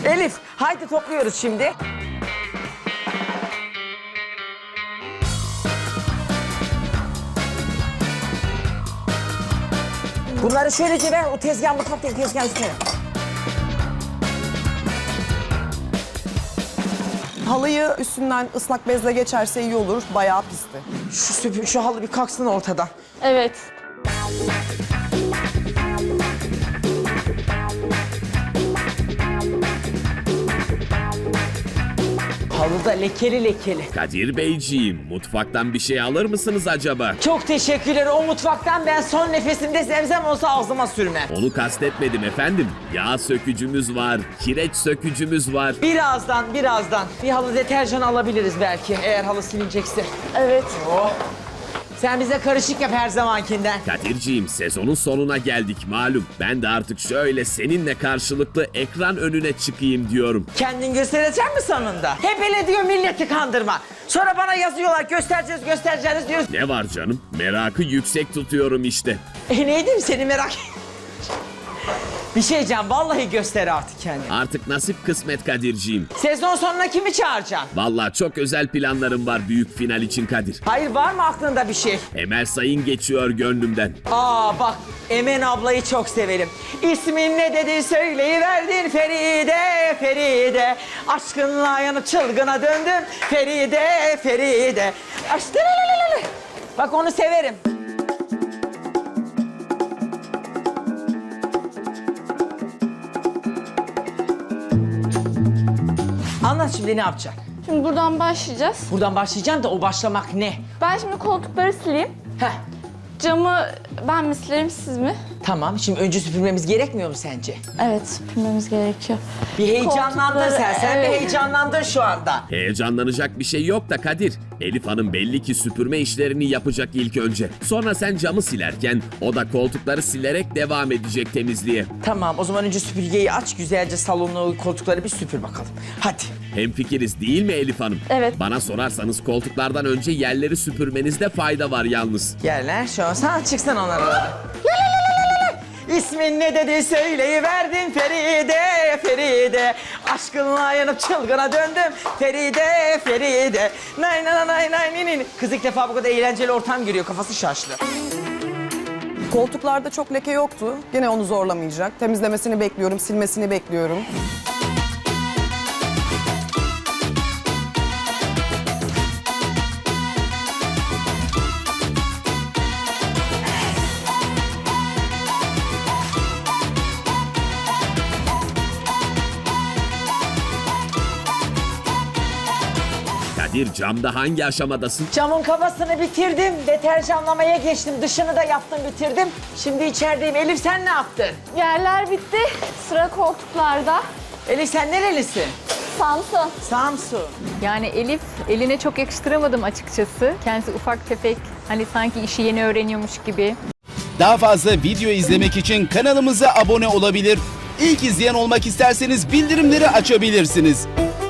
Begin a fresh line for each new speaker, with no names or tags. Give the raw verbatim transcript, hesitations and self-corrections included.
Elif, haydi topluyoruz şimdi. Bunları şöylece ver, o tezgah mutfaktaki tezgahın üstüne.
Halıyı üstünden ıslak bezle geçerse iyi olur. Bayağı pisti.
Şu süpür, şu halı bir kalksın ortadan.
Evet.
Halı da lekeli lekeli.
Kadir Beyciğim, mutfaktan bir şey alır mısınız acaba?
Çok teşekkürler. O mutfaktan ben son nefesimde zemzem olsa ağzıma sürmem.
Onu kastetmedim efendim. Yağ sökücümüz var, kireç sökücümüz var.
Birazdan, birazdan. Bir halı deterjan alabiliriz belki eğer halı silinecekse.
Evet.
Oh. Sen bize karışık yap her zamankinden.
Kadirciğim, sezonun sonuna geldik malum. Ben de artık şöyle seninle karşılıklı ekran önüne çıkayım diyorum.
Kendin gösterecek mi sonunda? Hep öyle diyor milleti kandırma. Sonra bana yazıyorlar göstereceğiz göstereceğiz diyoruz.
Ne var canım? Merakı yüksek tutuyorum işte.
E neydim seni merak Bir şey diyeceğim vallahi göster artık kendini.
Artık nasip kısmet Kadirciğim.
Sezon sonuna kimi çağıracaksın?
Vallahi çok özel planlarım var büyük final için Kadir.
Hayır var mı aklında bir şey?
Emel Sayın geçiyor gönlümden.
Aa bak Emen ablayı çok severim. İsmin ne dedi söyleyiverdin Feride Feride. Aşkınla yanıp çılgına döndüm Feride Feride. Aşk... Bak onu severim. Anlat şimdi ne yapacaksın?
Şimdi buradan başlayacağız.
Buradan başlayacağım da o başlamak ne?
Ben şimdi koltukları sileyim.
Heh.
Camı ben mi silerim siz mi?
Tamam şimdi önce süpürmemiz gerekmiyor mu sence?
Evet süpürmemiz gerekiyor.
Bir heyecanlandın
Koltukları,
sen. Sen
evet.
bir heyecanlandın şu anda.
Heyecanlanacak bir şey yok da Kadir. Elif Hanım belli ki süpürme işlerini yapacak ilk önce. Sonra sen camı silerken o da koltukları silerek devam edecek temizliğe.
Tamam o zaman önce süpürgeyi aç güzelce salonu koltukları bir süpür bakalım. Hadi.
Hemfikiriz değil mi Elif Hanım?
Evet.
Bana sorarsanız koltuklardan önce yerleri süpürmenizde fayda var yalnız.
Yerler şu an sen çıksan onlara. La la la la la. İsmin ne dedi söyleyiverdin Feride Feride. Aşkınla yanıp çılgına döndüm Feride Feride. Nay nay nay nay nay nay. Kız ilk defa bu kadar eğlenceli ortam görüyor kafası şaşlı.
Koltuklarda çok leke yoktu. Gene onu zorlamayacak. Temizlemesini bekliyorum, silmesini bekliyorum.
Kadir camda hangi aşamadasın?
Camın kafasını bitirdim. Deterjanlamaya geçtim. Dışını da yaptım bitirdim. Şimdi içerideyim. Elif sen ne yaptın?
Yerler bitti. Sıra koltuklarda.
Elif sen nerelisin?
Samsun.
Samsun.
Yani Elif eline çok yakıştıramadım açıkçası. Kendisi ufak tefek, hani sanki işi yeni öğreniyormuş gibi.
Daha fazla video izlemek için kanalımıza abone olabilir. İlk izleyen olmak isterseniz bildirimleri açabilirsiniz.